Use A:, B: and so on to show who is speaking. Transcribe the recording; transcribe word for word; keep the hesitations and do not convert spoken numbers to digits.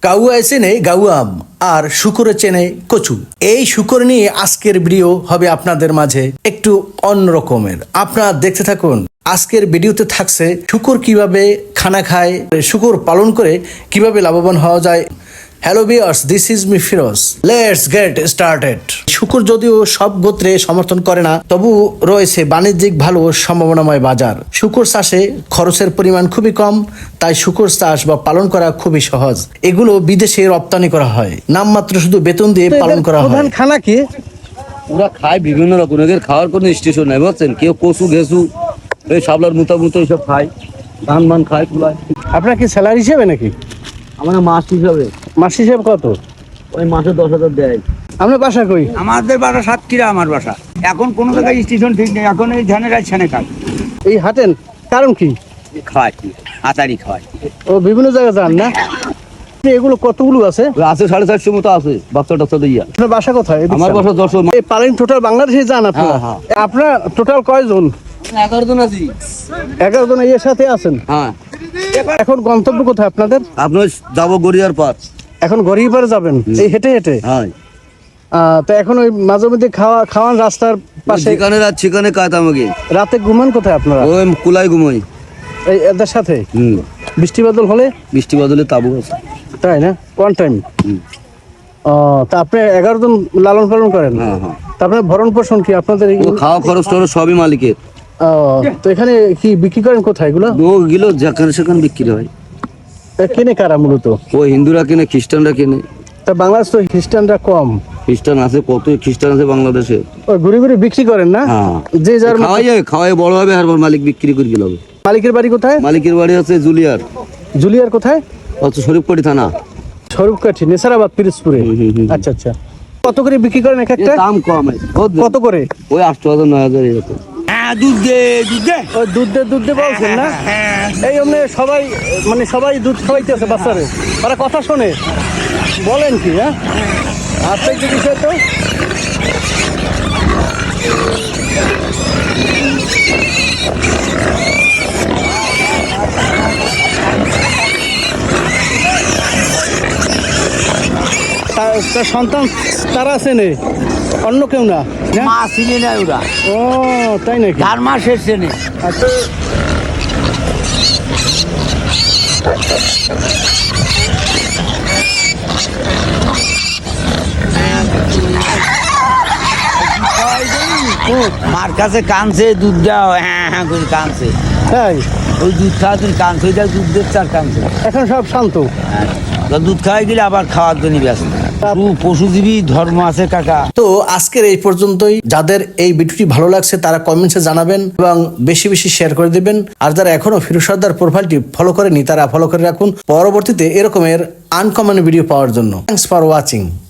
A: কাউয়া চেনে গাউয়াম আর শুকরে চেনে কচু। এই শুকর নিয়ে আজকের ভিডিও হবে আপনাদের মাঝে একটু অন্যরকমের। আপনারা দেখতে থাকুন। আজকের ভিডিওতে থাকছে শুকর কিভাবে খানা খায়, শুকর পালন করে কিভাবে লাভবান হওয়া যায়। Hello viewers, this is me Firoz. Let's get started. শুকর যদিও সব গোত্রে সমর্থন করে না, তবু রয়েছে বাণিজ্যিক ভালো সম্ভাবনাময় বাজার। শুকর চাষে খরচের পরিমাণ খুবই কম, তাই শুকর চাষ বা পালন করা খুবই সহজ। এগুলো বিদেশে রপ্তানি করা হয়, নামমাত্র শুধু বেতন দিয়ে পালন করা হয়।
B: প্রধান খানা কি?
C: ওরা খায় বিভিন্ন রকম, এদের খাওয়ার কোনো স্টেশন নাই বুঝছেন। কেউ কচু ঘেসু এই শাবলার মুতা মুতো এইসব খায়, ধান মান খায় কুলায়।
B: আপনার কি স্যালারি হিসেবে নাকি?
C: আমার মাস হিসাবে।
B: মাস হিসেবে কত?
C: ওই মাসে দশ হাজার দেয়।
B: আপনার বাসা কই?
D: আমাদের বাসা সাতক্ষীরা। আমার বাসা এখন কোনো জায়গায় স্টেশন ঠিক নেই। এখন এই ধানের গাছ ছানে খায়,
B: এই হাটেন কারণ কি?
D: খাওয়ায় কি আতারি খাওয়ায়।
B: ও বিভিন্ন জায়গায় যান না? এগুলো কতগুলো আছে?
C: ওই আছে সাড়ে চারশো মতো আছে বাচ্চা টাচ্চা দিয়া।
B: আপনার বাসা কোথায়? এদিক
C: আমার
B: যান।
C: বাসা যশোর।
B: এই পালেন টোটাল বাংলাদেশে যান আপনারা?
C: হ্যাঁ,
B: আপনার টোটাল কয়জন?
C: এগারো জন আছি।
B: এগারো জন এর সাথে আছেন?
C: হ্যাঁ,
B: এখন গন্তব্য কোথায় আপনাদের?
C: আপনার যাবো গড়িয়ার পার।
B: এখন গড়িয়ে পারে যাবেন এই হেঁটে হেঁটে?
C: হ্যাঁ,
B: আহ, তো এখন ওই মাঝে মধ্যে খাওয়া খাওয়ান রাস্তার পাশে?
C: যেখানে রাত সেখানে কাজ আমাকে।
B: রাতে ঘুমান কোথায় আপনারা?
C: ওই কুলাই ঘুমোই।
B: এই এদের সাথে
C: হুম,
B: বৃষ্টি বাদল হলে?
C: বৃষ্টি বদলে তাবু আছে।
B: তাই না? কোন টাইম?
C: হুম।
B: ও, তা আপনি এগারো জন লালন পালন করেন?
C: হ্যাঁ, হ্যাঁ।
B: তা আপনার ভরণ পোষণ কি আপনাদের? এই-
C: ও খাওয়া খরচ টরচ সবই মালিকের।
B: ও, তো এখানে কি বিক্রি করেন কোথায় এগুলো?
C: ও গিলো যেখানে সেখানে বিক্রি হয়।
B: এ কেনে কারা মূলত?
C: ও হিন্দুরা কেনে, খ্রিস্টানরা কেনে।
B: তা বাংলাদেশ তো খ্রিস্টানরা কম,
C: খ্রিস্টান আছে, কত খ্রিস্টান আছে বাংলাদেশে।
B: ওই ঘুরে ঘুরে বিক্রি করেন না?
C: হ্যাঁ,
B: যে যার মতো-
C: খাওয়াই যায়, খাওয়াই বড় হবে আর মালিক বিক্রি করে গেল।
B: মালিকের বাড়ি কোথায়?
C: মালিকের বাড়ি আছে জুলিয়ার,
B: জুলিয়ার কোথায়?
C: হচ্ছে শরীফপাড়ি থানা।
B: স্বরূপকাঠি, নেসারাবাদ, পিরোজপুরে।
C: হুম, হুম, হুম।
B: আচ্ছা আচ্ছা। কত করে বিক্রি করেন এক একটা?
C: এর দাম কম,
B: কত করে?
C: ওই আটশো হাজার নয় হাজার এরকম।
D: হ্যাঁ, দুধ দে দুধ দে।
B: ওই দুধ দে দুধ দে বলছেন না? এই অমনে সবাই মানে সবাই দুধ খাওয়াইতেছে বাচ্চারে, ওরা কথা শোনে। বলেন কি? হ্যাঁ, আচ্ছা, একটু বিষয় তো। তা- তার সন্তান তারা আছে নে, অন্য কেউ না? না?
D: মা চিনে না ওরা,
B: ও তাই নাকি?
D: চার মাস এসছে না।
B: আচ্ছা।
D: মার কাছে কানছে দুধ দাও, হ্যাঁ হ্যাঁ করে কানছে।
B: তাই?
D: ওই দুধ খাওয়ার জন্য কানছে, ওইটা দুধ দিচ্ছে আর কানছে।
B: এখন সব শান্ত?
D: হ্যাঁ, তা দুধ খাওয়াই গেলে আবার খাওয়ার জন্য ব্যস্ত। পশু পশুজীবী ধর্ম আছে কাকা।
A: তো আজকের এই পর্যন্তই। যাদের এই ভিডিওটি ভালো লাগছে তারা কমেন্টসে জানাবেন এবং বেশি বেশি শেয়ার করে দিবেন। আর যারা এখনো ফিরোজ সর্দার প্রোফাইলটি ফলো করেনি তারা ফলো করে রাখুন পরবর্তীতে এরকমের আনকমন ভিডিও পাওয়ার জন্য। Thanks for watching.